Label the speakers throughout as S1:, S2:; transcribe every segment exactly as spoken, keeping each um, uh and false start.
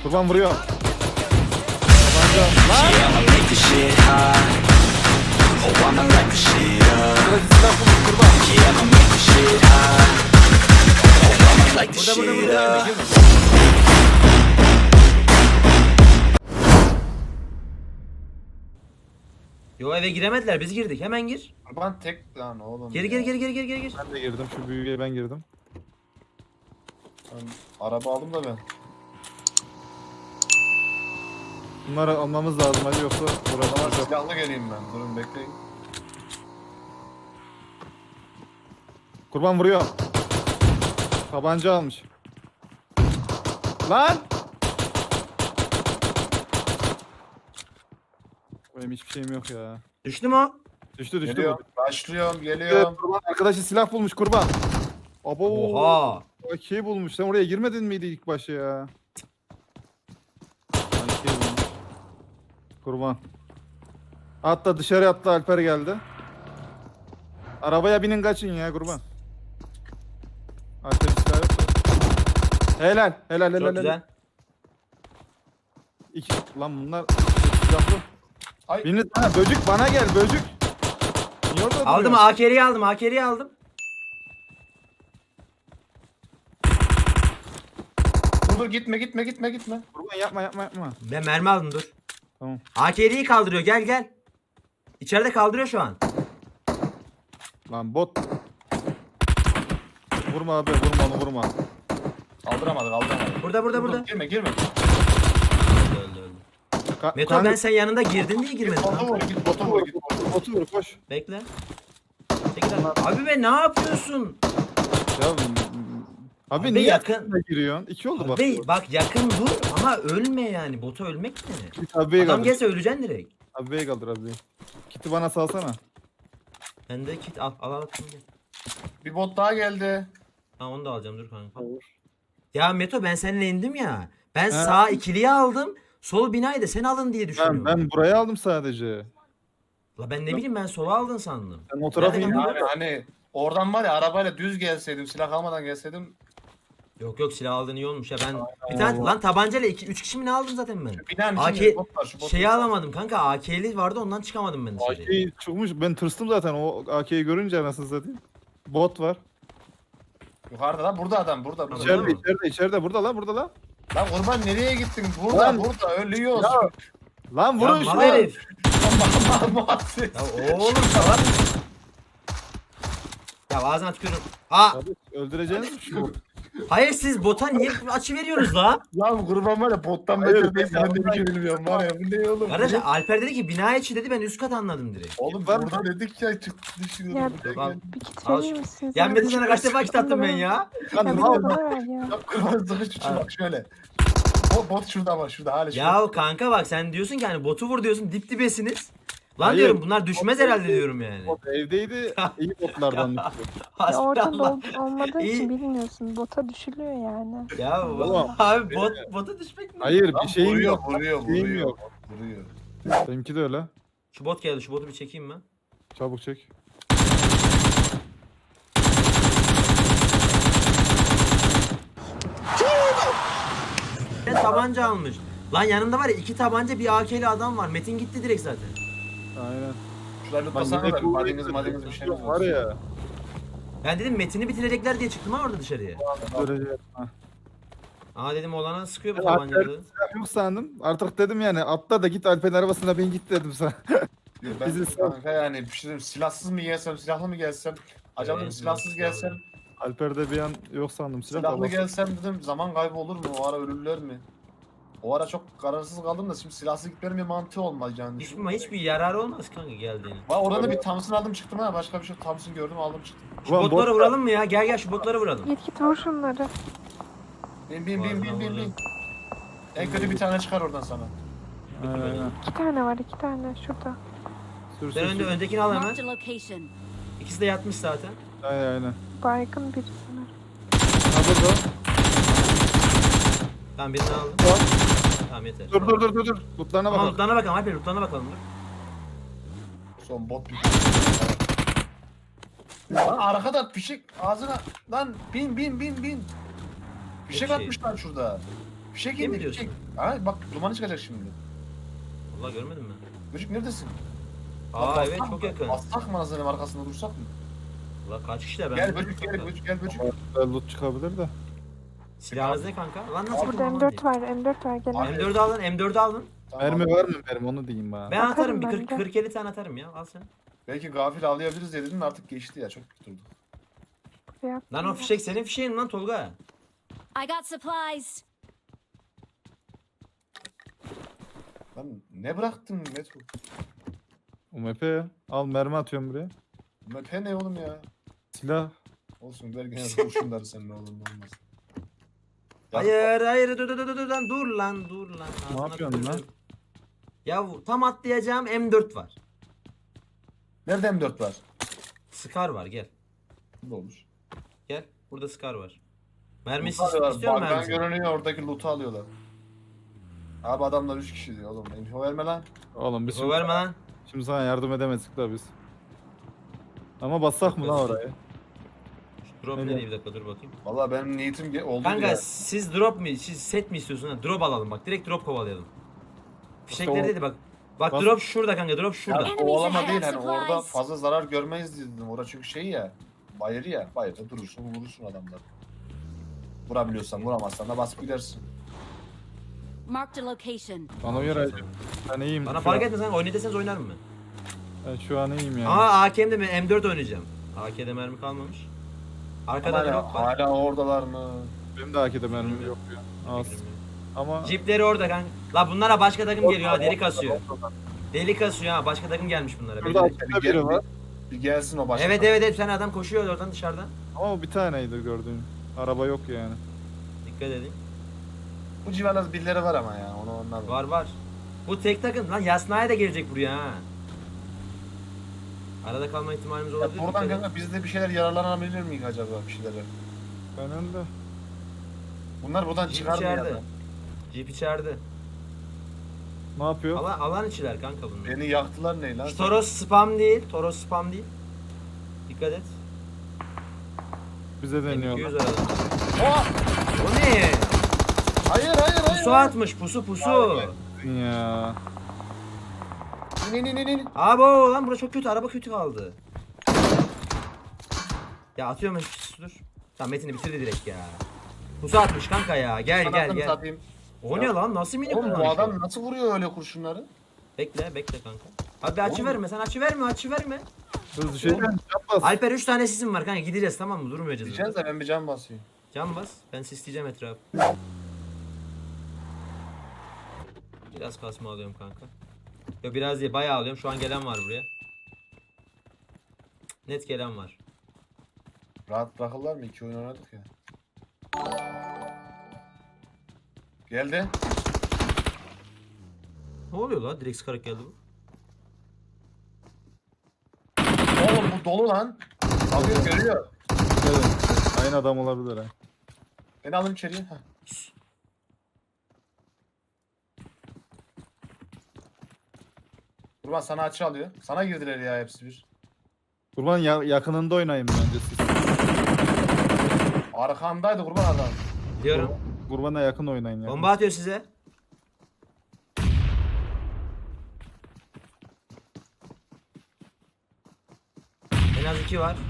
S1: Kurban vuruyor. Tabanca. Lan. Burası silah bulmuş kurban.
S2: Burada burada burada. Yo eve giremediler, biz girdik. Hemen gir.
S3: Kurban tek lan oğlum.
S2: Geri
S3: ya.
S2: geri geri geri geri geri gir.
S1: Ben de girdim. Şu büyüğe ben girdim.
S3: Ben araba aldım da ben.
S1: Bunları almamız lazım hadi yoksa
S3: Ama
S1: uğraşmayacağım.
S3: silahlı geleyim ben. Durun bekleyin.
S1: Kurban vuruyor. Tabanca almış. Lan! Benim hiçbir şeyim yok ya.
S2: Düştü mü o?
S1: Düştü düştü.
S3: Geliyorum.
S1: bu.
S3: Başlıyorum.
S1: Evet,
S3: Geliyorum.
S1: kurban arkadaşı silah bulmuş kurban. Abo.
S2: Oha.
S1: A K bulmuş. Sen oraya girmedin miydi ilk başta ya? A K bulmuş. Kurban. Hatta dışarı attı Alper geldi. Arabaya binin kaçın ya kurban. Alper silah yok da. Helal helal helal.
S2: Çok
S1: helal.
S2: güzel.
S1: İki, lan bunlar silahlı.
S3: Ay.
S1: Biriniz ha, böcük bana gel böcük. Niye orada
S2: Aldım
S1: duruyorsun?
S2: A K'yi aldım. A K'yi aldım.
S3: Dur dur gitme gitme gitme gitme.
S1: Kurban yapma yapma yapma.
S2: Ben mermi aldım dur.
S1: Tamam.
S2: A K'yi kaldırıyor, gel gel. İçeride kaldırıyor şu an.
S1: Lan bot. Vurma abi vurma onu vurma.
S3: Kaldıramadık kaldıramadık.
S2: Burada burada
S3: Dur, dur,
S2: burada.
S3: Girme girme.
S2: Öldü öldü öldü.
S1: Ka-
S2: Meto
S1: kanka-
S2: ben sen yanında girdin diye
S3: Git
S2: girmedim.
S3: botu
S2: lan.
S3: vur git botu vur git botu vur.
S1: Botu vur koş.
S2: Bekle. Çekil abi. Abi be ne yapıyorsun?
S1: Ya m- abi,
S2: Abi
S1: niye
S2: yakın-
S1: yakın giriyorsun? İki oldu bak.
S2: Abi bak yakın dur ama ölme yani. Bota ölmek ne?
S1: Git abiye
S2: Adam
S1: kaldır.
S2: gelse öleceksin direkt.
S1: Abiye kaldır abiye. Kiti bana salsana.
S2: Ben de kit al al al. Şimdi.
S3: Bir bot daha geldi.
S2: Ha onu da alacağım dur kanka. Ya Meto ben seninle indim ya. Ben
S1: Ha.
S2: sağ ikiliyi aldım. Sol binayı da sen alın diye düşünüyorum.
S1: Ben, ben buraya aldım sadece.
S2: La ben ne bileyim ben sola aldın sandım.
S1: Sen o tarafa
S2: Nereden
S1: indin.
S2: aldın?
S3: Yani hani oradan var ya arabayla düz gelseydim silah almadan gelseydim.
S2: Yok yok silah aldığın iyi olmuş ya ben. Bir tane lan tabancayla iki üç kişi mi ne aldım zaten ben?
S3: Binanın
S2: A
S3: içinde
S2: K
S3: bot var şu bot.
S2: şeyi alamadım kanka A K'li vardı ondan çıkamadım ben dışarıya.
S1: A K'yi çıkmış. Ben tırstım zaten o A K'yi görünce anasını satayım. Bot var.
S3: Yukarıda lan burada adam burada. burada.
S2: İçeride
S1: İçeride
S2: mı?
S1: içeride içeride burada lan burada lan.
S3: Lan kurban nereye gittin? Burada
S1: Lan.
S3: burada ölüyoruz.
S1: Ya, Lan
S2: Ya
S1: vurun
S2: mal
S1: şunu.
S2: herif.
S3: Muhabbet.
S2: Ya oğlum salak. Ya ağzına tükürürüm. Aa
S1: Abi, öldüreceğiniz mi şu?
S2: hayır siz bota niye açı veriyorsunuz la?
S3: Lan kurban var ya bottan
S1: Hayır,
S3: beter değil.
S1: ben
S3: Ben de bir şey bilmiyorum var ya. Bu ne oğlum?
S2: Kardeş Alper dedi ki bina içi dedi ben üst kat anladım direkt.
S3: Oğlum
S1: Var
S3: burada dedik ya çıktı düşünüyorum.
S4: Ya,
S3: Buraya
S2: Bak,
S3: geldi.
S4: Bir kit
S2: Al
S4: verir
S2: şu-
S4: misiniz?
S2: Ya
S4: abi?
S2: Metin sana kaç defa kit attım ben ya?
S1: Lan
S4: Ya bir
S1: ne
S4: de
S1: oldu?
S4: bana ver ya.
S3: Ya kurban sıkış şu bak şöyle. Bot, bot şurada ama şurada hala şurada.
S2: Ya kanka bak sen diyorsun ki hani botu vur diyorsun dip dibesiniz. Lan
S1: Hayır.
S2: diyorum bunlar düşmez herhalde diyorum yani.
S1: Bot evdeydi. İyi botlardan düştü.
S4: Ya oradan
S2: Hasbinallah.
S4: da olmadığı
S2: İyi.
S4: için bilmiyorsun. Bota düşülüyor yani.
S2: Ya
S1: Oğlum.
S2: abi bot bota düşmek mi?
S1: Hayır
S3: Lan
S1: bir şeyim
S3: vuruyor,
S1: yok.
S3: Vuruyor
S1: Bir şeyim
S3: vuruyor.
S1: yok.
S3: Vuruyor.
S1: Benimki de öyle.
S2: Şu bot geldi şu botu bir çekeyim ben.
S1: Çabuk çek.
S2: Ben tabanca almış. Lan yanında var ya iki tabanca bir A K'li adam var. Metin gitti direkt zaten.
S1: Aynen.
S3: Şurayı
S1: Lan
S3: lütfasana
S1: yine
S3: da bir
S1: kuvvet-
S3: madeniz madeniz bir şey mi
S1: var ya.
S2: Ben dedim Metin'i bitirecekler diye çıktım ha orada dışarıya.
S1: Göreceğiz. Ha.
S2: Aa dedim oğlana sıkıyor bu
S1: Ben Alper
S2: tabancalı.
S1: silah yok sandım. Artık dedim yani atla da git Alper'in arabasına bin git dedim sana.
S3: Ben
S1: Bizi sal.
S3: kanka yani bir şey diyeyim, silahsız mı gelsem silahlı mı gelsem acaba dedim
S2: Evet,
S3: silahsız
S2: silahlı.
S3: gelsem
S1: Alper'de bir an yok sandım silah.
S3: silahlı
S1: da
S3: gelsem dedim zaman kaybı olur mu o ara ölürler mi? O ara çok kararsız kaldım da şimdi silahsız gitmenin bir mantığı olmaz yani.
S2: Hiçbir, hiçbir yararı olmaz kanka geldiğini.
S3: Bak orada da bir Thompson aldım çıktım ha başka bir şey Thompson gördüm aldım çıktım.
S2: Şu
S1: Ulan
S2: botlara
S1: bot-
S2: vuralım mı ya? Gel gel şu botlara vuralım.
S4: Git git vur şunları.
S3: Bin bin bin bin bin bin. En kötü bir tane çıkar oradan sana.
S1: Aynen.
S4: İki tane var iki tane şurada.
S1: Sür
S2: Sen
S1: sür
S2: önde
S1: sür.
S2: öndekini al hemen.
S5: Marked a location.
S2: İkisi de yatmış zaten.
S1: Aynen aynen.
S4: Baygın birisine.
S1: Ha burada.
S2: Tamam birini aldım.
S1: Tamam.
S2: Tamam yeter.
S1: Dur dur dur dur dur. Lootlarına
S2: Tamam
S1: bakalım.
S2: lootlarına bakalım Alper lootlarına bakalım dur.
S3: Son bot bir. Lan arkada fişek ağzına lan bin bin bin bin. Fişek
S2: şey.
S3: atmışlar şurada. Fişek
S2: Değil mi
S3: indi
S2: diyorsun?
S3: fişek. Ha bak dumanı çıkacak şimdi.
S2: Vallahi görmedin mi?
S3: Böcük neredesin?
S2: Aa
S3: Bak,
S2: evet
S3: bassak
S2: çok
S3: mı?
S2: yakın.
S3: Bassak mı Hasan'ın arkasında dursak mı?
S2: Ulan kaç kişiler ben
S3: Gel
S2: bilmiyorum
S3: böcük gel
S2: kanka.
S3: böcük gel böcük.
S1: Ama güzel loot çıkabilir de.
S2: Silahınız ne kanka? Lan nasıl
S4: Burada
S2: yapayım
S4: M
S2: aman
S4: dört
S2: diyeyim.
S4: var. M dört var. Gel.
S3: Abi,
S2: M dördü alın, M dördü alın.
S3: Tamam,
S1: Mermi
S3: abi.
S1: var mı mermi onu diyeyim bana.
S2: Ben
S4: Atarım
S2: atarım bir
S4: ben
S2: kırk
S4: de.
S2: kırk elli tane atarım ya. Al sen.
S3: Belki gafil avlayabiliriz diye dedim de artık geçti ya çok durdu.
S4: Buraya
S2: Lan o
S4: attım.
S2: fişek senin fişeğin lan Tolga.
S5: I got supplies.
S3: Lan ne bıraktın Meto?
S1: U M P ya. Al mermi atıyorum buraya.
S3: Mepe ne oğlum ya?
S1: Silah.
S3: Olsun ver gene kurşunları sen ne olur ne olmaz. Ya,
S2: Hayır hayır dur dur dur dur lan dur lan dur lan.
S1: Ne
S2: Ağzına
S1: yapıyorsun lan?
S2: tükürürüm. Ya bu- tam atlayacağım M dört var.
S3: Nerede M dört var?
S2: Scar var gel.
S3: Bu olur.
S2: Gel. Burada Scar var. Mermisi
S3: Loot alıyorlar.
S2: istiyor musun
S3: Bug'dan
S2: mermisi?
S3: görünüyor oradaki loot'u alıyorlar. Abi adamlar üç kişi diyor oğlum. Info verme lan.
S1: Oğlum biz
S2: O
S1: şimdi,
S2: verme lan.
S1: şimdi sana yardım edemezdik da biz. Ama bassak mı lan oraya?
S2: Drop
S1: Öyle.
S2: ne diye bir dakika dur bakayım.
S3: Vallahi benim niyetim ge- oldu
S2: Kanka
S3: ya.
S2: siz drop mi? Siz set mi istiyorsun? Ha? Drop alalım bak. Direkt drop kovalayalım. Fişekleri
S1: Tamam.
S2: dedi bak. Bak
S1: Bas-
S2: drop şurada kanka. Drop şurada.
S3: Ya
S5: Enemies
S3: kovalama
S5: ahead,
S3: değil hani
S5: supplies.
S3: orada fazla zarar görmeyiz dedim. Orada çünkü şey ya. Bayır ya. Bayırda durursun vurursun adamları. Vurabiliyorsan vuramazsan da basıp gidersin.
S5: Marked a location.
S1: Bana göre ben iyiyim.
S2: Bana
S1: şu
S2: fark
S1: an.
S2: etmez kanka. Oynay deseniz oynarım ben.
S1: Ben şu an iyiyim yani.
S2: Aa A K'mde mi? M dört oynayacağım. A K'de mermi kalmamış. Arkada
S3: Hala,
S2: drop var.
S3: hala oradalar mı?
S1: Benim de A K'de mermim yok ya. Az. Ama
S2: Jeepleri orada kanka. La bunlara başka takım geliyor ha. Deli kasıyor. Deli kasıyor ha. Başka takım gelmiş bunlara.
S1: şurada
S2: Belli.
S1: açıkta biri var.
S3: Bir gelsin o başka.
S2: Evet evet evet. Bir tane adam koşuyor oradan dışarıdan.
S1: Ama o bir taneydi gördüğüm. Araba yok yani.
S2: Dikkat edin.
S3: Bu civarlarda birileri var ama ya. Onu onlar
S2: Var var. Bu tek takım lan Yasnaya da gelecek buraya ha. Arada kalma ihtimalimiz
S3: Ya
S2: olabilir.
S3: buradan
S2: dikkat edin.
S3: kanka biz de bir şeyler yararlanabilir miyiz acaba bir şeylere?
S1: Ben önde.
S3: Bunlar buradan
S2: Jeep
S3: çıkar mı ya?
S2: içeride.
S3: da?
S2: Jeep içeride.
S1: Ne yapıyor?
S2: Alan, alan içiler kanka bunlar.
S3: Beni yaktılar ne lan?
S2: Şu Toros spam değil. Toros spam değil. Dikkat et.
S1: Bize
S2: M iki yüz
S1: deniyorlar.
S2: arada.
S3: Oh!
S2: O ne?
S3: Hayır hayır hayır.
S2: Pusu
S3: hayır.
S2: atmış pusu pusu.
S1: Ya.
S3: İn in in in.
S2: Abo lan burası çok kötü. Araba kötü kaldı. Ya atıyorum ben dur. Tamam Metin'i bitirdi direkt ya. Pusu atmış kanka ya. Gel gel
S3: Kanatını
S2: gel.
S3: satayım.
S2: O ne lan? Nasıl mini
S3: Oğlum bu
S2: kullanmış
S3: adam
S2: o?
S3: nasıl vuruyor öyle kurşunları?
S2: Bekle bekle kanka. Abi açı
S3: Oğlum.
S2: verme sen açı verme açı verme.
S1: Hızlı şeyden yapmaz.
S2: Alper üç tane sisim var kanka gideceğiz tamam mı? Durmayacağız.
S3: Diyeceğiz de ben bir can basayım.
S2: Can bas. Ben sisleyeceğim etrafı. Biraz kasma alıyorum kanka. Yo biraz değil bayağı alıyorum. Şu an gelen var buraya. Net gelen var.
S3: Rahat bırakırlar mı? İki oyun oynadık ya. Geldi.
S2: Ne oluyor lan? Direkt sıkarak geldi bu.
S3: Oğlum bu dolu lan. Bakıyor görüyor.
S1: Evet. Aynı adam olabilir ha.
S3: Beni alın içeriye. Heh. Kurban sana açı alıyor. Sana girdiler ya hepsi bir.
S1: Kurban ya- yakınında oynayın bence siz.
S3: Arkandaydı kurban adam.
S2: Diyorum.
S1: Kurbana yakın oynayın ya.
S2: Bomba atıyor size. En az iki var.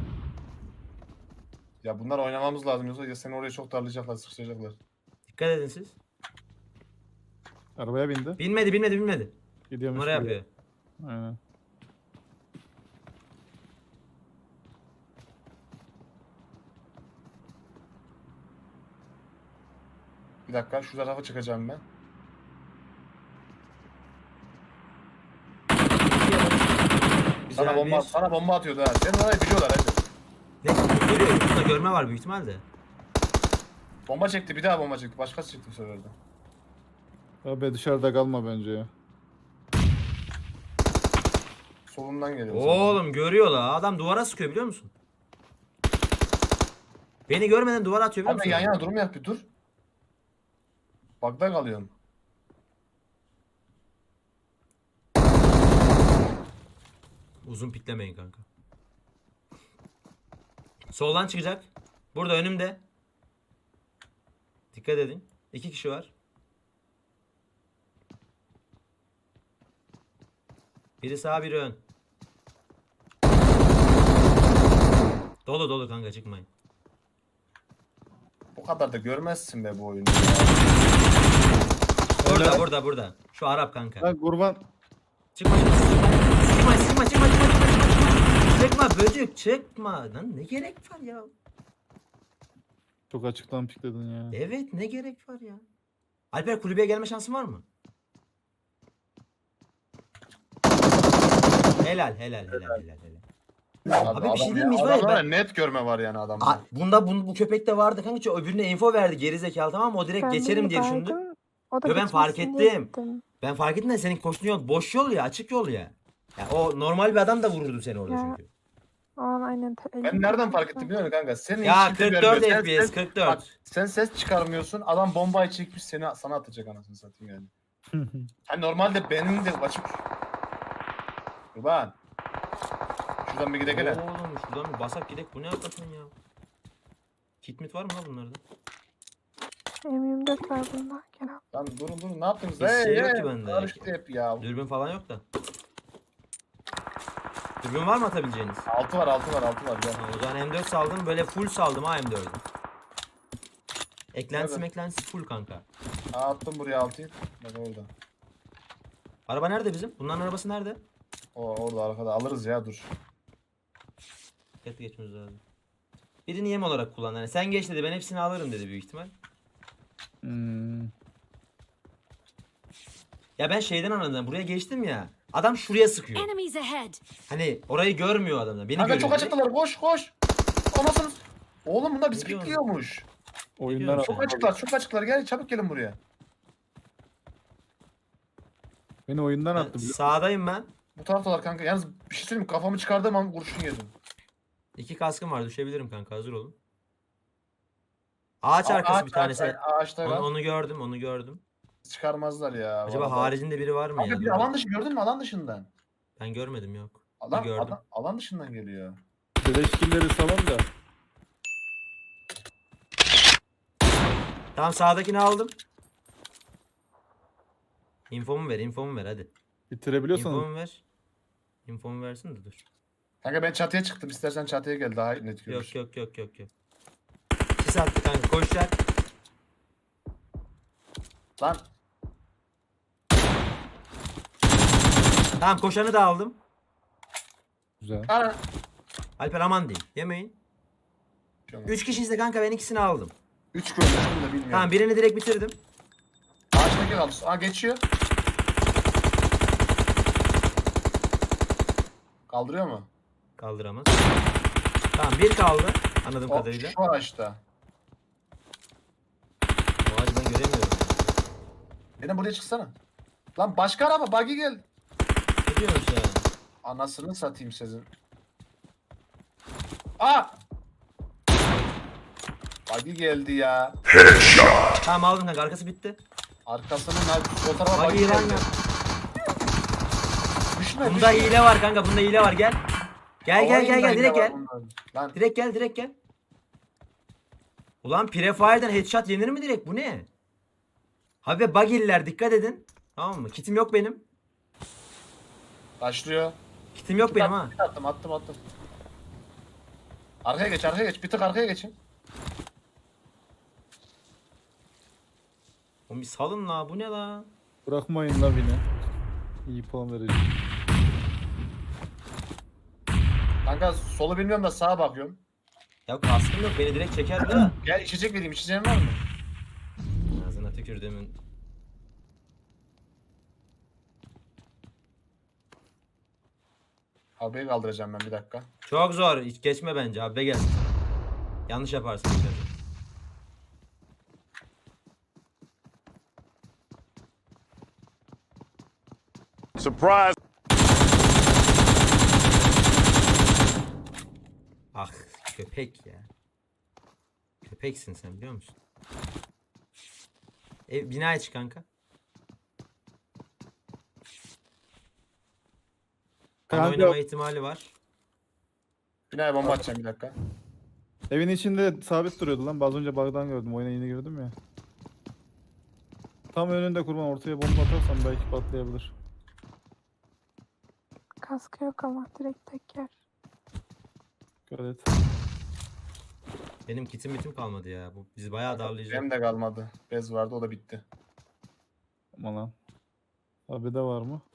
S3: Ya bunlar oynamamız lazım yoksa ya seni oraya çok darlayacaklar, sıkıştıracaklar.
S2: Dikkat edin siz.
S1: Arabaya bindi.
S2: Bilmedi bilmedi bilmedi.
S1: Gidiyormuş.
S2: Numara
S1: buraya.
S2: yapıyor.
S1: Aynen.
S3: Bir dakika şu tarafa çıkacağım ben.
S2: Güzel
S3: Sana bomba,
S2: bir...
S3: sana bomba atıyordu ha. Senin orayı biliyorlar hadi.
S2: Ne? Görüyor. Burada görme var büyük ihtimalle.
S3: Bomba çekti bir daha bomba çekti. Başkası çıktı bu sefer de.
S1: Abi dışarıda kalma bence ya.
S3: Solundan geliyor.
S2: Oğlum görüyor la. Adam duvara sıkıyor biliyor musun? Beni görmeden duvara atıyor biliyor
S3: Abi
S2: musun?
S3: yan yana durmayak bir dur. Bagda kalıyorum.
S2: Uzun piklemeyin kanka. Soldan çıkacak. Burada önümde. Dikkat edin. İki kişi var. Biri sağ biri ön. Dolu dolu kanka çıkmayın.
S3: Bu kadar da görmezsin be bu oyunu.
S2: Burada
S1: Evet.
S2: burada burada. Şu Arap kanka.
S1: Ha kurban.
S2: Çıkma çıkma çıkma çıkma çıkma çıkma çıkma çıkma çıkma böcük çıkma lan ne gerek var ya?
S1: Çok açıktan pikledin ya.
S2: Evet ne gerek var ya? Alper kulübeye gelme şansın var mı? Helal helal helal helal helal. Abi bir şey diyeyim mi? Var ya,
S3: Adamlarda
S2: ben-
S3: net görme var yani adamda.
S2: Aa, bunda bu, bu köpekte vardı kanka. Çünkü öbürüne info verdi geri zekalı tamam mı? O direkt
S4: Ben de
S2: geçerim diye düşündü.
S4: baydım, O da
S2: Yo, ben fark
S4: geçmesin diye
S2: ettim.
S4: gittim.
S2: Ben fark ettim de senin koştuğun yol boş yol ya, açık yol ya. Ya o normal bir adam da vururdu seni orada
S4: Ya,
S2: çünkü.
S4: O an aynen. te-
S3: Ben nereden fark ettim biliyor musun kanka? Senin
S2: Ya
S3: hiç kimse
S2: kırk dört
S3: görmüyor. Sen
S2: F P S
S3: ses-
S2: kırk
S3: Bak,
S2: dört.
S3: sen ses çıkarmıyorsun. Adam bombayı çekmiş seni sana atacak anasını satayım yani. Hani normalde benim de açık. Kurban. Şuradan bir gidelim.
S2: Oğlum şuradan bir basak gidek bu ne hakikaten ya? Kit mit var mı lan bunlarda?
S4: M yirmi dört var bunda. Gel al.
S3: Lan durun durun ne yaptınız?
S2: Bir şey yok
S3: hey,
S2: ki bende.
S3: Karıştı hep ya.
S2: Dürbün falan yok da. Dürbün var mı atabileceğiniz?
S3: Altı var altı var altı var. Gel.
S2: Ha, o zaman M dört saldım böyle full saldım ha M dördü. Eklentisi
S3: Evet.
S2: meklentisi full kanka.
S3: Aa, attım buraya altıyı. Bak orada.
S2: Araba nerede bizim? Bunların arabası nerede?
S3: O orada arkada alırız ya dur.
S2: Dikkatli geçmemiz lazım. Birini yem olarak kullan. Yani sen geç dedi ben hepsini alırım dedi büyük ihtimal.
S1: Hmm.
S2: Ya ben şeyden anladım. Buraya geçtim ya. Adam şuraya sıkıyor.
S5: Enemies ahead!
S2: Hani orayı görmüyor adamlar. Beni
S3: Kanka
S2: görüyor.
S3: çok
S2: direkt.
S3: açıktılar koş koş. Anasını. Oğlum bunlar
S2: Ne diyorsun?
S3: bisikletliyormuş.
S1: Oyundan
S2: diyorsun
S3: Çok
S2: sen?
S3: açıklar çok açıklar gel çabuk gelin buraya.
S1: Beni oyundan
S2: Ben
S1: attı. biliyor musun?
S2: sağdayım ben.
S3: Bu taraftalar kanka. Yalnız bir şey söyleyeyim mi? Kafamı çıkardığım an kurşun yedim.
S2: İki kaskım var. Düşebilirim kanka. Hazır olun. Ağaç
S3: Aa,
S2: arkası
S3: ağaç,
S2: bir tanesi.
S3: ağaç, ağaçta
S2: Onu,
S3: var.
S2: onu gördüm. Onu gördüm.
S3: Çıkarmazlar ya.
S2: Acaba
S3: vallahi.
S2: haricinde biri var mı
S3: Kanka
S2: ya?
S3: bir
S2: Dur
S3: alan
S2: bakayım.
S3: dışı gördün mü alan dışından?
S2: Ben görmedim yok.
S3: Alan,
S2: gördüm.
S3: alan, alan dışından geliyor.
S1: Beleşkilleri salon da.
S2: Tamam sağdakini aldım. İnfomu ver, infomu ver hadi.
S1: Bitirebiliyorsanız.
S2: İnfomu ver. İnfomu versin de dur.
S3: Kanka ben çatıya çıktım. İstersen çatıya gel daha net görürsün.
S2: Yok yok yok yok yok. Sis attı kanka koşacak.
S3: Lan
S2: Tamam koşanı da aldım.
S1: Güzel.
S3: ana.
S2: Alper aman değil. Yemeyin. Üç kişiyiz de kanka ben ikisini aldım.
S3: Üç görmüştüm de bilmiyorum.
S2: Tamam birini direkt bitirdim.
S3: Ağaçtaki kaldı. Aa geçiyor. Kaldırıyor mu?
S2: Kaldıramaz. Tamam bir kaldı. Anladığım
S3: O,
S2: kadarıyla.
S3: şu ağaçta.
S2: O ağacı ben göremiyorum.
S3: Benim buraya çıksana. Lan başka araba buggy gel.
S2: Ne diyorsun sen?
S3: Anasını satayım sizin. Aa! Buggy geldi ya.
S2: Tamam aldım kanka arkası bitti.
S3: Arkasının o tarafa
S2: Bak
S3: buggy
S2: iyi lan
S3: geldi.
S2: ya.
S3: Düşme
S2: Bunda
S3: düşme.
S2: hile var kanka bunda hile var gel. Gel gel gel gel direkt gel.
S3: Lan
S2: Direkt gel direkt gel. Ulan Prefire'den headshot yenir mi direkt bu ne? Abi buggy'liler dikkat edin. Tamam mı? Kitim yok benim.
S3: başlıyor.
S2: Kitim yok benim ha.
S3: Attım attım attım. Arkaya geç arkaya geç. Bir tık arkaya geçin.
S2: Oğlum bir salın la bu ne la?
S1: Bırakmayın la beni. İyi puan vereceğim.
S3: Kanka solu bilmiyorum da sağa bakıyorum.
S2: Ya kaskım yok beni direkt çeker de.
S3: Gel içecek vereyim. İçeceğin var mı?
S2: Ağzına tükürdüğümün.
S3: Arabayı kaldıracağım ben bir dakika.
S2: Çok zor. Hiç geçme bence abi be gel. Yanlış yaparsın.
S6: Surprise!
S2: Ah köpek ya. Köpeksin sen biliyor musun? Ev, binaya çık kanka. Kan
S1: Kanka
S2: oynama ihtimali var.
S3: Binaya bomba atacağım bir dakika.
S1: evin içinde sabit duruyordu lan. Az önce bug'dan gördüm. Oyuna yeni girdim ya. Tam önünde kurban, ortaya bomba atarsan belki patlayabilir.
S4: Kaskı yok ama direkt tek yer.
S1: Dikkat et.
S2: Benim kitim bitim kalmadı ya. Bu bizi bayağı darlayacak.
S3: Benim de kalmadı. Bez vardı o da bitti.
S1: Aman lan. Abi de var mı?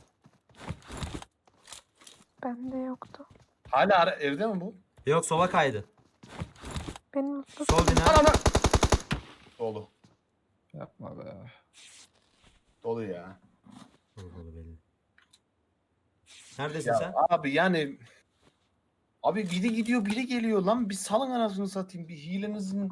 S4: Bende yoktu.
S3: Hala ara- evde mi bu?
S2: Yok sola kaydı.
S4: Benim mutlu
S2: Sol bina.
S3: Ana ana. Dolu.
S1: Yapma be.
S3: Dolu ya.
S2: Dolu belli. Neredesin
S3: Ya
S2: sen?
S3: abi yani abi biri gidiyor biri geliyor lan, bir salın anasını satayım, bir hilenizin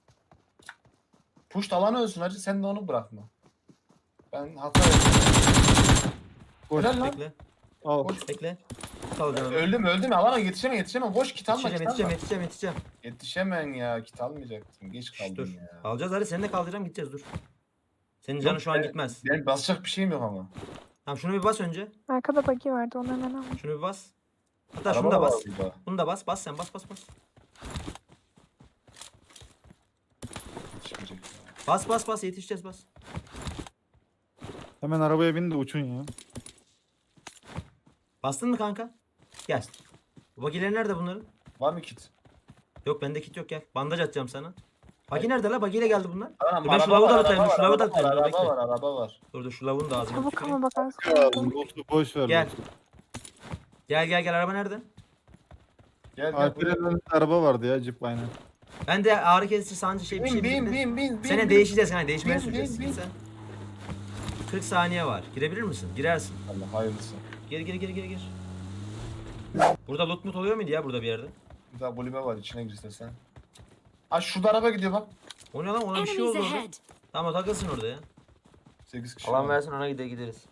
S3: push alanı ölsün hacı, sen de onu bırakma. Ben hata yaptım.
S1: Boş.
S3: Helal lan.
S2: Bekle.
S1: Al.
S3: Boş.
S2: Bekle. Kalacağım.
S3: Öldüm öldüm alana yetişemem yetişemem, boş kit alma,
S2: Yetişeceğim,
S3: kit alma.
S2: yetişeceğim, yetişeceğim, yetişeceğim.
S3: Yetişemem ya, kit almayacaktım, geç
S2: Şş,
S3: kaldım
S2: dur.
S3: ya.
S2: Alacağız hadi, seni de kaldıracağım, gideceğiz, dur. Senin canın şu an
S3: ben-
S2: gitmez.
S3: Benim basacak bir şeyim yok ama.
S2: Tamam şunu bir bas önce.
S4: Arkada buggy vardı onu hemen al.
S2: Şunu bir bas. Hatta
S3: Araba
S2: şunu da
S3: var
S2: bas.
S3: burada.
S2: Bunu da bas. Bas sen, bas bas bas.
S3: Yetişmeyecek ya.
S2: Bas bas bas, yetişeceğiz, bas.
S1: Hemen arabaya bin de uçun ya.
S2: Bastın mı kanka? Gel. Bu bagileri nerede bunların?
S3: Var mı kit?
S2: Yok bende kit yok, gel. Bandaj atacağım sana. Bagi nerede la? Bagiyle geldi bunlar.
S3: Anam,
S2: Dur ben şu
S3: araba
S2: lavuğu da
S3: var,
S2: atayım,
S3: araba
S2: dur şu
S3: var,
S2: lavuğu da
S3: araba var,
S2: atayım, dur
S3: Araba
S2: bekle.
S3: var, araba var.
S2: Dur dur şu lavuğunu da ağzına
S4: Çabuk
S2: tüküreyim.
S4: ama bak az
S1: Ya
S4: kaldı.
S1: loot'u boş ver.
S2: Gel.
S1: loot'u.
S2: Gel gel gel, araba nerede?
S3: Gel gel
S1: Alper'in
S3: buraya.
S1: önünde araba vardı ya, Jeep aynen.
S2: Ben de ağrı kesici sancı şey bir şey
S3: Bin bin
S2: bitirdim.
S3: bin bin bin.
S2: Sene
S3: bin.
S2: değişeceğiz kanka, değişmeye
S3: Bin,
S2: süreceğiz.
S3: bin,
S2: Git
S3: bin.
S2: sen. kırk saniye var. Girebilir misin? Girersin.
S3: Allah hayırlısı.
S2: Gir gir gir gir gir. Burada loot mut oluyor muydu ya burada bir yerde?
S3: Bir daha kulübe var, içine gir istersen. Ha şurada araba gidiyor bak.
S2: O ne lan, ona bir şey
S5: Enemies
S2: oldu orada.
S5: ahead.
S2: Tamam takılsın orada ya.
S3: sekiz kişi
S2: Alan
S3: var.
S2: versin, ona gide gideriz.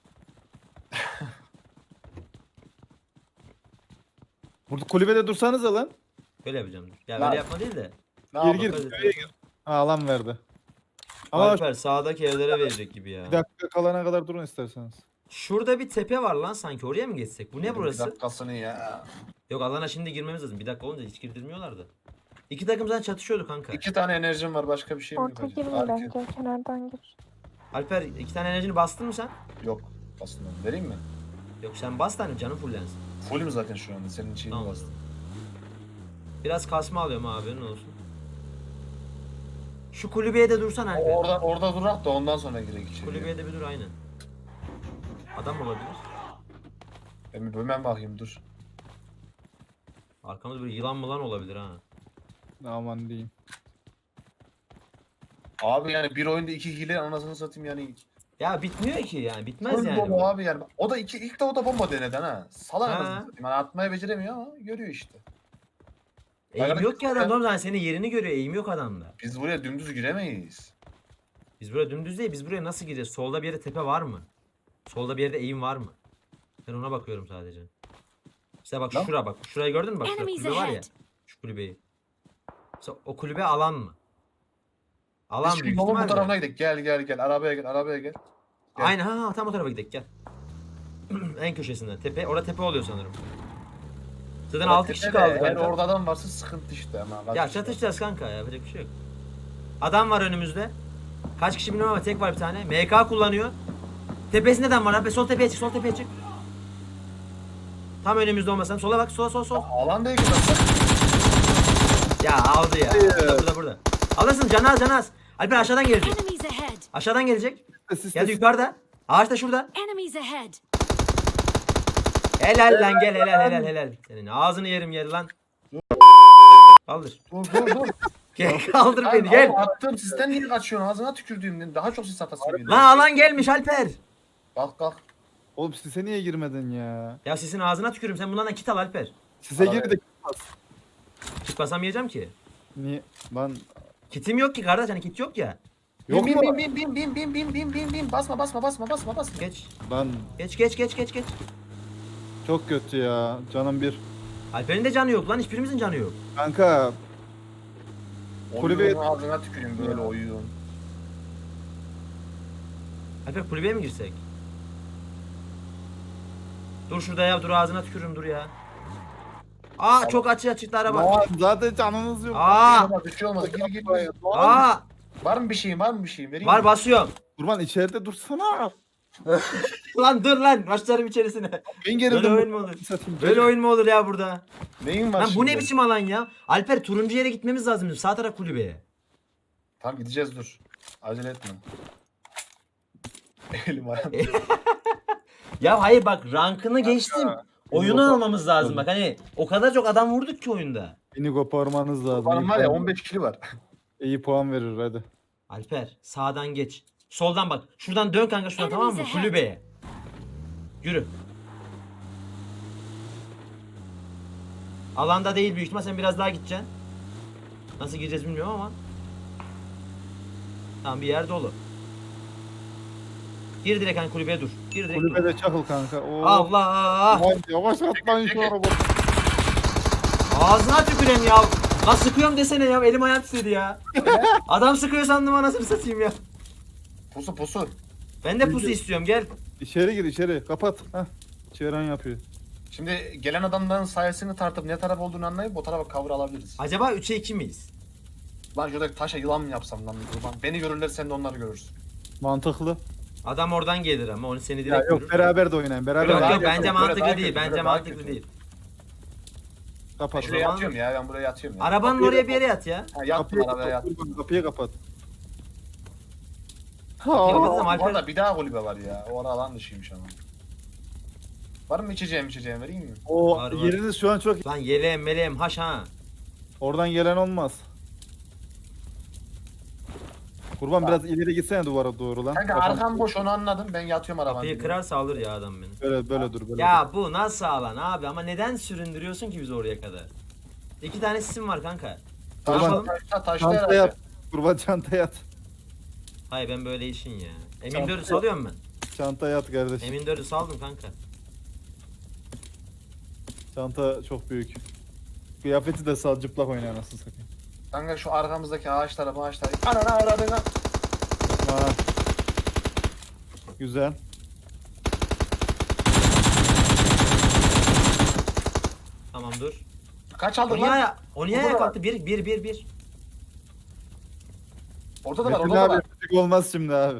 S1: Burada kulübede dursanız lan.
S2: Böyle yapacağım. dur. Ya
S3: Lan.
S2: öyle yapma değil de.
S3: Ne
S1: Gir
S3: yapalım?
S1: gir.
S2: Hadi.
S1: Kulübeye gir. Ha, alan verdi. Ama
S2: Alper sağdaki evlere verecek gibi ya.
S1: bir dakika kalana kadar durun isterseniz.
S2: Şurada bir tepe var lan sanki, oraya mı geçsek? Bu ne
S3: Bir
S2: burası?
S3: dakikasını ya.
S2: Yok alana şimdi girmemiz lazım. Bir dakika olunca hiç girdirmiyorlar da. İki takım zaten çatışıyordu kanka.
S3: İki tane enerjim var, başka bir şey mi
S4: Orta
S3: yapacağız?
S4: girme
S3: Arka-
S4: bence. Kenardan gir.
S2: Alper iki tane enerjini bastın mı sen?
S3: Yok. Aslında vereyim mi?
S2: Yok sen bas tane, canın fullensin.
S3: Fullüm zaten şu anda, senin şeyini
S2: Tamam.
S3: bastım.
S2: Biraz kasma alıyorum abi, haberin olsun. Şu kulübeye de dursan Alper.
S3: Orada orada durak da ondan sonra girek içeri.
S2: Kulübeye de bir dur aynen. Adam olabilir.
S3: Ben bir hemen bakayım, dur.
S2: Arkamızda böyle yılan mılan olabilir ha.
S1: Aman diyeyim.
S3: Abi yani bir oyunda iki hile, anasını satayım yani.
S2: Ya bitmiyor ki yani, bitmez
S3: Full
S2: yani.
S3: bomba
S2: bu.
S3: abi yani. O da iki, ilk de o da bomba deneden ha. Salak
S2: Ha.
S3: anasını satayım. Yani atmayı beceremiyor ama görüyor işte.
S2: Eğim yok ki adam,
S3: Hayır.
S2: normal senin yerini görüyor, eğim yok adamda.
S3: Biz buraya dümdüz giremeyiz.
S2: Biz buraya dümdüz değil, biz buraya nasıl gireceğiz? Solda bir yerde tepe var mı? Solda bir yerde eğim var mı? Ben ona bakıyorum sadece. İşte bak
S3: Lan.
S2: şura bak. Şurayı gördün mü? Bak şurada
S5: Enemies
S2: kulübe var ya.
S5: ahead.
S2: Şu kulübeyi. Mesela o kulübe alan mı? Alan
S3: Biz şimdi
S2: büyük
S3: yolun bu
S2: ihtimalle.
S3: tarafına gidelim. Gel gel gel. Arabaya gel. Arabaya gel. Gel.
S2: Aynen, ha, ha tam o tarafa gidelim, gel. En köşesinden. Tepe, orada tepe oluyor sanırım. Zaten
S3: Orada
S2: altı kişi
S3: tepe de,
S2: kaldı
S3: Eğer
S2: kanka.
S3: orada adam varsa sıkıntı işte ama.
S2: Ya çatışacağız kanka ya, yapacak bir şey yok. Adam var önümüzde. Kaç kişi bilmiyorum ama tek var bir tane. M K kullanıyor. Tepesinde adam var abi. Sol tepeye çık, sol tepeye çık. Tam önümüzde olmasam. Sola bak, sola sol sol.
S3: Alan değil ki zaten.
S2: Ya aldı ya. Burada burada burada. Alırsın, canaz canaz. Alper aşağıdan gelecek.
S5: Enemies ahead.
S2: Aşağıdan gelecek.
S1: Sis,
S2: Geldi
S1: sis.
S2: yukarıda. Ağaçta şurada.
S5: Enemies ahead.
S2: Helal lan, gel helal helal helal. Senin ağzını yerim yer lan. Kaldır.
S3: Dur dur dur.
S2: Gel kaldır
S3: Lan
S2: beni gel.
S3: oğlum, attığım sisten niye kaçıyorsun? Ağzına tükürdüğümden daha çok sis atası geliyor.
S2: Lan alan gelmiş Alper.
S3: Kalk kalk.
S1: Oğlum sise niye girmedin ya?
S2: Ya sesin ağzına tükürüm. Sen bundan da kit al Alper.
S1: Sise
S3: Abi.
S1: gir de
S2: Kit basamayacağım ki.
S1: niye? Lan
S2: Kitim yok ki kardeş, hani kit yok ya.
S1: yok
S3: bin,
S1: mu?
S3: bin, bin, bin, bin, bin, bin, bin, bin, bin. Basma basma basma basma basma.
S2: Geç.
S1: Lan
S2: Geç geç geç geç geç.
S1: çok kötü ya. Canım bir.
S2: Alper'in de canı yok lan, hiçbirimizin canı yok.
S1: Kanka Kulübe-
S3: Oyunun ağzına tüküreyim böyle oyun.
S2: Alper kulübeye mi girsek? Dur şurada ya, dur ağzına tükürürüm, dur ya. Aa çok açı çıktı araba.
S1: lan zaten canınız yok.
S2: Aa
S3: Olmaz, bir şey olmaz. Gir gir. gir.
S2: aa
S3: Var mı bir şeyin? Var mı bir şeyin? Vereyim
S2: var
S3: mi?
S2: basıyorum.
S1: Kurban içeride dursana.
S2: Lan dur lan. Başlarım içerisine.
S1: Ben
S2: Böyle
S1: gerildim.
S2: oyun mu olur?
S1: Satayım.
S2: Böyle oyun mu olur ya burada?
S3: Neyin var
S2: Lan bu ne
S3: şimdi?
S2: biçim alan ya? Alper turuncu yere gitmemiz lazım bizim. Sağ taraf kulübeye.
S3: Tamam gideceğiz dur. Acele etme. Elim ayağım.
S2: Ya hayır bak rankını geçtim. Oyunu
S1: Yok.
S2: almamız lazım bak hani o kadar çok adam vurduk ki oyunda.
S1: Beni koparmanız lazım.
S3: Benim
S1: İyi
S3: var ya
S1: puan-
S3: on beş kili var.
S1: İyi puan verir hadi.
S2: Alper sağdan geç. Soldan bak. Şuradan dön kanka şuradan tamam mı?
S5: Enemies ahead.
S2: Kulübeye. Yürü. Alanda değil büyük ihtimal sen biraz daha gideceksin. Nasıl gireceğiz bilmiyorum ama. Tamam bir yer dolu. Gir direkt hani kulübeye dur. Gir direkt dur.
S1: Kulübede çakıl kanka. Oo.
S2: Allah!
S1: Lan yavaş atlayın şu araba.
S2: Ağzına tüküreyim ya. Lan sıkıyorum desene ya. Elim ayağım titredi ya. Adam sıkıyor sandım anasını satayım ya.
S3: Pusu pusu.
S2: Ben de pusu istiyorum gel.
S1: İçeri gir içeri. Kapat. Heh. Çevren yapıyor.
S3: Şimdi gelen adamların sayesini tartıp ne taraf olduğunu anlayıp o tarafa cover alabiliriz.
S2: Acaba üçe iki miyiz?
S3: Lan şuradaki taşa yılan mı yapsam lan bir kurban. Beni görürler sen de onları görürsün.
S1: Mantıklı.
S2: Adam oradan gelir ama onu seni
S1: Ya
S2: direkt
S1: yok
S2: görür.
S1: beraber de oynayın. Beraber
S2: Yok
S3: Böyle
S2: yok
S3: daha
S2: bence
S3: kötü, böyle
S2: mantıklı
S3: daha
S2: değil.
S3: kötü,
S2: Bence
S3: böyle daha
S2: mantıklı
S3: kötü.
S2: değil.
S1: Kapat.
S3: Şuraya
S2: zaman-
S3: yatıyorum ya ben buraya yatıyorum ya.
S2: Arabanın
S1: Kapıyı
S2: oraya
S1: da-
S2: bir yere yat ya.
S3: Ha, yattım
S1: Kapıyı
S3: arabaya
S1: kapat.
S3: yattım.
S1: Kurban, kapıyı kapat.
S2: Kapıyı kapat.
S1: Ha.
S2: Alper-
S3: Orada bir daha kulübe var ya. O ara alan dışıymış ama. Var mı içeceğim içeceğim vereyim mi?
S1: O
S2: Var, var.
S1: yeriniz şu an çok.
S2: Lan yeleğim meleğim haş ha.
S1: Oradan gelen olmaz. Kurban biraz ileri gitsene duvara doğru lan.
S3: Kanka
S1: Kafam-
S3: arkam boş onu anladım. Ben yatıyorum arabanın.
S2: Kapıyı
S3: dibine.
S2: kırarsa alır ya adam beni.
S1: Böyle böyle dur böyle.
S2: Ya bu nasıl alan abi ama neden süründürüyorsun ki bizi oraya kadar? İki tane sisim var kanka.
S3: Taşta,
S2: Tamam.
S3: taşta, taşta
S1: Çanta
S3: herhalde.
S1: yat. Kurban çanta yat.
S2: Hayır ben böyle işin ya. Emin
S1: Tamam.
S2: dörü salıyorum ben.
S1: Çanta yat kardeşim.
S2: Emin dörü saldım kanka.
S1: Çanta çok büyük. Kıyafeti de sal cıplak oyna anasını satayım.
S3: Kanka şu arkamızdaki ağaçlara ağaçlara. Anana aradığına.
S1: Ha. Güzel.
S2: Tamam dur.
S3: Kaç
S2: O
S3: aldın
S2: niye,
S3: lan?
S2: aya- o niye
S3: Burada
S2: ayağa
S3: var.
S2: kalktı? Bir, bir, bir, bir.
S3: Orada da var
S1: Metin
S3: orada da
S1: abi
S3: var.
S1: müzik olmaz şimdi abi.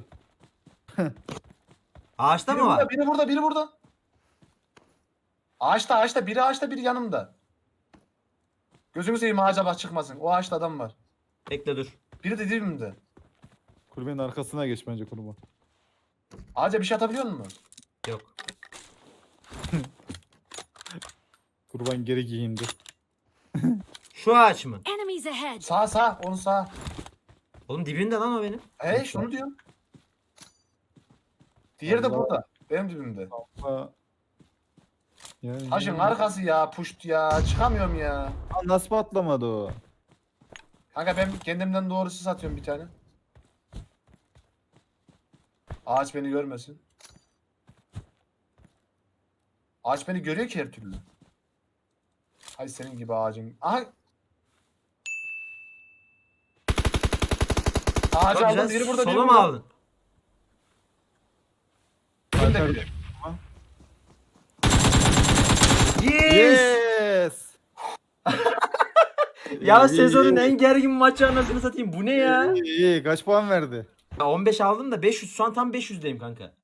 S2: Ağaçta
S3: Biri
S2: mı var?
S3: burada, biri burada, biri burada. Ağaçta, ağaçta, biri ağaçta, biri yanımda. Gözünü seveyim ağaca bak çıkmasın. O ağaçta adam var.
S2: Bekle dur.
S3: Biri de dibimde.
S1: Kulübenin arkasına geç bence kurban.
S3: Ağaca bir şey atabiliyor musun?
S2: Yok.
S1: Kurban geri giyindi.
S2: Şu ağaç mı?
S5: Enemies ahead.
S3: Sağ sağ, onu sağ.
S2: Oğlum dibinde lan o benim.
S3: He şunu diyorum. Diğeri de
S1: Allah.
S3: burada. Benim dibimde.
S1: Ha. Ya,
S3: Taşın
S1: ya.
S3: arkası ya, puşt ya. Çıkamıyorum ya.
S1: Lan nasıl patlamadı o?
S3: Kanka ben kendimden doğrusu satıyorum bir tane. Ağaç beni görmesin. Ağaç beni görüyor ki her türlü. Hay senin gibi ağacın. Aha. Ağacı
S2: Çok
S3: aldım.
S2: güzel.
S3: Biri burada, biri
S2: Solu mu
S3: burada.
S2: aldın?
S3: Önde biri.
S2: Yes!
S1: Yes!
S2: Ya
S1: İyi,
S2: sezonun
S1: iyi.
S2: en gergin maçı anasını satayım. Bu ne ya?
S1: İyi, iyi. Kaç puan verdi?
S2: Ya on beş aldım da beş yüz şu an tam beş yüzdeyim kanka.